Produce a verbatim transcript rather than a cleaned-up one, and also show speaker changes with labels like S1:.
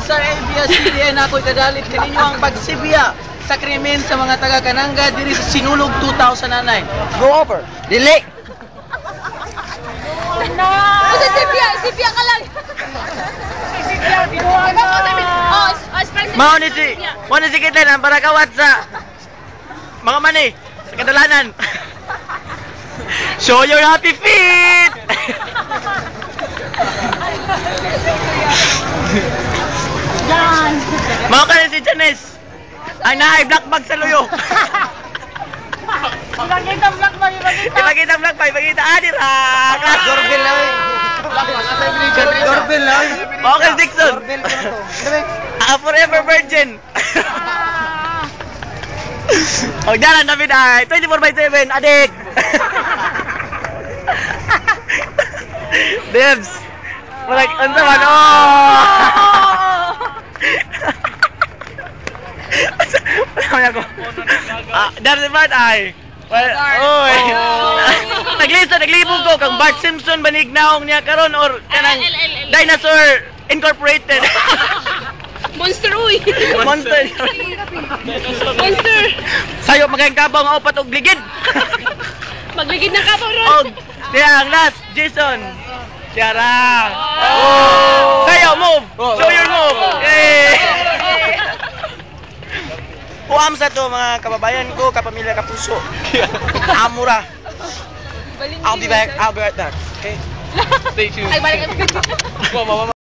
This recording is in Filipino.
S1: sa A B S C B N ako'y kadalit kaninyo ang pagsibya sa krimen sa mga taga-Kananga diri sa Sinulog two thousand nine. Go over. Dili.
S2: No! Kasi sipya, sipya ka lang. Sipya, binuha na. Oh, as
S1: Mao ni si, mao ni si kita na para kawat sa mga mani sa kadalanan. Show your happy feet.
S2: Yan.
S1: Mao ka ni si Janice. Ang naay black bag sa luyo.
S2: Ipakita vlog mo, ipakita.
S1: Ipakita vlog pa, ipakita adir ha.
S3: Doorbell lang eh. Doorbell lang eh.
S1: Mao ka si Dixon.
S3: Doorbell ko na to.
S1: Ah, forever virgin. Og dalan na biday, twenty-four by seven, adik. Debs. Like, unsa man oh. Wala ko. Ah, dari man ay. Well, oy. Naglista, naglibog ko kang Bart Simpson banignaong niya karon or kanang Dinosaur Incorporated.
S2: Monster, uy.
S1: Monster.
S2: Monster.
S1: Sayo magayang kabaw nga upat og ligid.
S2: Magligid na ka pa, Ron.
S1: Og diang last Jason. Tiara. Oh. Sayo move. Show your move. Yay. Puam sa to mga kababayan ko, kapamilya, kapuso. Amura. I'll be back. I'll be right back. Okay. Stay tuned.
S2: Ay, balik.